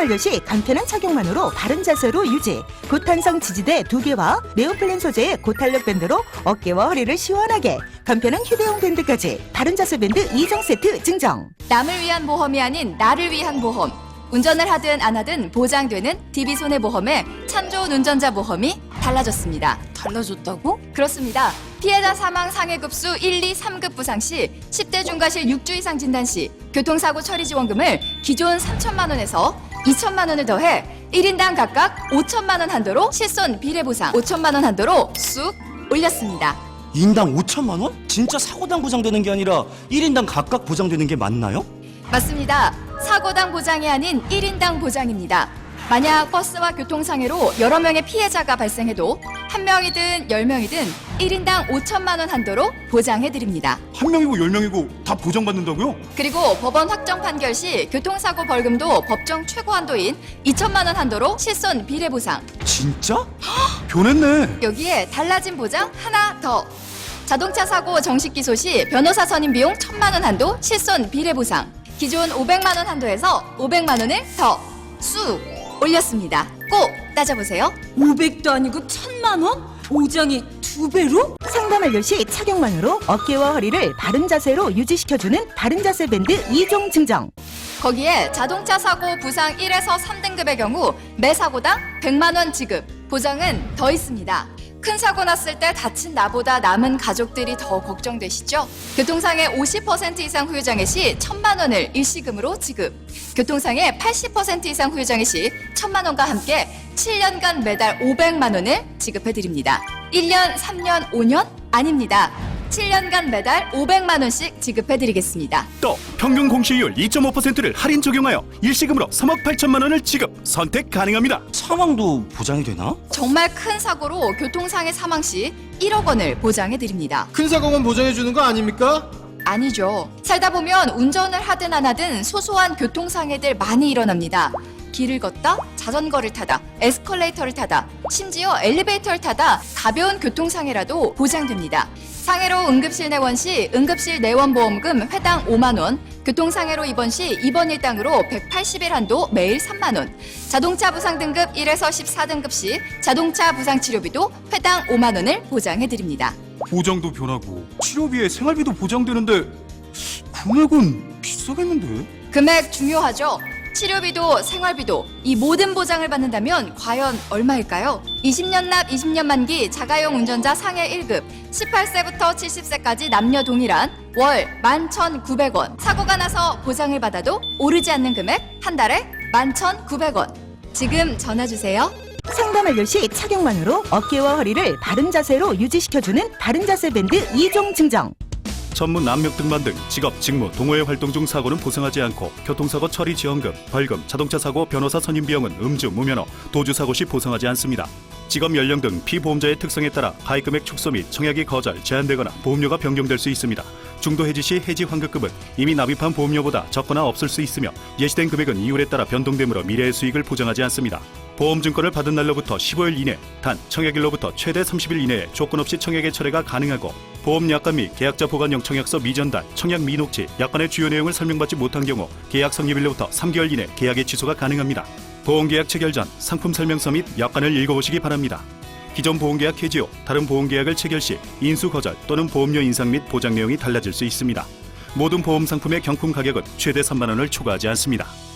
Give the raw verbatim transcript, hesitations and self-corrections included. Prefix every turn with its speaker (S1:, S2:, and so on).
S1: 완료 시 간편한 착용만으로 바른 자세로 유지. 고탄성 지지대 두 개와 네오플린 소재의 고탄력 밴드로 어깨와 허리를 시원하게. 간편한 휴대용 밴드까지. 바른 자세 밴드 이 종 세트 증정.
S2: 남을 위한 보험이 아닌 나를 위한 보험. 운전을 하든 안 하든 보장되는 디비손해보험의 참 좋은 운전자 보험이 달라졌습니다.
S3: 달라졌다고?
S2: 그렇습니다. 피해자 사망 상해급수 일, 이, 삼 급 부상 시 십 대 중과실 육 주 이상 진단 시 교통사고 처리 지원금을 기존 삼천만 원에서 이천만 원을 더해 일 인당 각각 오천만 원 한도로 실손 비례 보상 오천만 원 한도로 쑥 올렸습니다.
S4: 인당 오천만 원? 진짜 사고당 보장되는 게 아니라 일 인당 각각 보장되는 게 맞나요?
S2: 맞습니다. 사고당 보장이 아닌 일 인당 보장입니다. 만약 버스와 교통상해로 여러 명의 피해자가 발생해도 한 명이든 열 명이든 일 인당 오천만 원 한도로 보장해드립니다.
S5: 한 명이고 열 명이고 다 보장받는다고요?
S2: 그리고 법원 확정 판결 시 교통사고 벌금도 법정 최고 한도인 이천만 원 한도로 실손 비례 보상.
S5: 진짜? 변했네.
S2: 여기에 달라진 보장 하나 더. 자동차 사고 정식 기소 시 변호사 선임 비용 천만 원 한도 실손 비례 보상. 기존 오백만 원 한도에서 오백만 원을 더 쑥 올렸습니다. 꼭 따져보세요.
S3: 오백도 아니고 천만 원? 보장이 두 배로?
S1: 상담 완료 시 착용만으로 어깨와 허리를 바른 자세로 유지시켜주는 바른 자세 밴드 이 종 증정.
S2: 거기에 자동차 사고 부상 일에서 삼 등급의 경우 매 사고당 백만 원 지급, 보장은 더 있습니다. 큰 사고 났을 때 다친 나보다 남은 가족들이 더 걱정되시죠? 교통상해 오십 퍼센트 이상 후유장애 시 천만 원을 일시금으로 지급. 교통상해 팔십 퍼센트 이상 후유장애 시 천만 원과 함께 칠 년간 매달 오백만 원을 지급해드립니다. 일 년, 삼 년, 오 년? 아닙니다. 칠 년간 매달 오백만 원씩 지급해드리겠습니다.
S5: 또 평균 공시이율 이 점 오 퍼센트를 할인 적용하여 일시금으로 삼억 팔천만 원을 지급 선택 가능합니다.
S4: 사망도 보장이 되나?
S2: 정말 큰 사고로 교통상해 사망 시 일억 원을 보장해드립니다.
S6: 큰 사고만 보장해주는 거 아닙니까?
S2: 아니죠. 살다 보면 운전을 하든 안 하든 소소한 교통상해들 많이 일어납니다. 길을 걷다, 자전거를 타다, 에스컬레이터를 타다, 심지어 엘리베이터를 타다 가벼운 교통상해라도 보장됩니다. 상해로 응급실 내원 시 응급실 내원보험금 회당 오만 원, 교통상해로 입원 시 입원 일당으로 백팔십 일 한도 매일 삼만 원, 자동차 부상 등급 일에서 십사 등급 시 자동차 부상 치료비도 회당 오만 원을 보장해드립니다.
S5: 보장도 변하고 치료비에 생활비도 보장되는데 금액은 비싸겠는데?
S2: 금액 중요하죠. 치료비도 생활비도 이 모든 보장을 받는다면 과연 얼마일까요? 이십 년 납 이십 년 만기 자가용 운전자 상해 일 급 십팔 세부터 칠십 세까지 남녀 동일한 월 만 천구백 원. 사고가 나서 보장을 받아도 오르지 않는 금액 한 달에 만 천구백 원. 지금 전화주세요.
S1: 상담 완료 시 착용만으로 어깨와 허리를 바른 자세로 유지시켜주는 바른 자세 밴드 이 종 증정.
S5: 전문 남력 등반 등 직업, 직무, 동호회 활동 중 사고는 보상하지 않고 교통사고 처리 지원금, 벌금, 자동차 사고 변호사 선임 비용은 음주, 무면허, 도주 사고 시 보상하지 않습니다. 직업 연령 등 피보험자의 특성에 따라 가입금액 축소 및 청약이 거절, 제한되거나 보험료가 변경될 수 있습니다. 중도 해지 시 해지 환급금은 이미 납입한 보험료보다 적거나 없을 수 있으며 예시된 금액은 이율에 따라 변동되므로 미래의 수익을 보장하지 않습니다. 보험증권을 받은 날로부터 십오 일 이내, 단 청약일로부터 최대 삼십 일 이내에 조건 없이 청약의 철회가 가능하고 보험약관 및 계약자 보관용 청약서 미전달, 청약 미녹지, 약관의 주요 내용을 설명받지 못한 경우 계약 성립일로부터 삼 개월 이내 계약의 취소가 가능합니다. 보험계약 체결 전 상품 설명서 및 약관을 읽어보시기 바랍니다. 기존 보험계약 해지 후 다른 보험계약을 체결 시 인수 거절 또는 보험료 인상 및 보장 내용이 달라질 수 있습니다. 모든 보험 상품의 경품 가격은 최대 삼만 원을 초과하지 않습니다.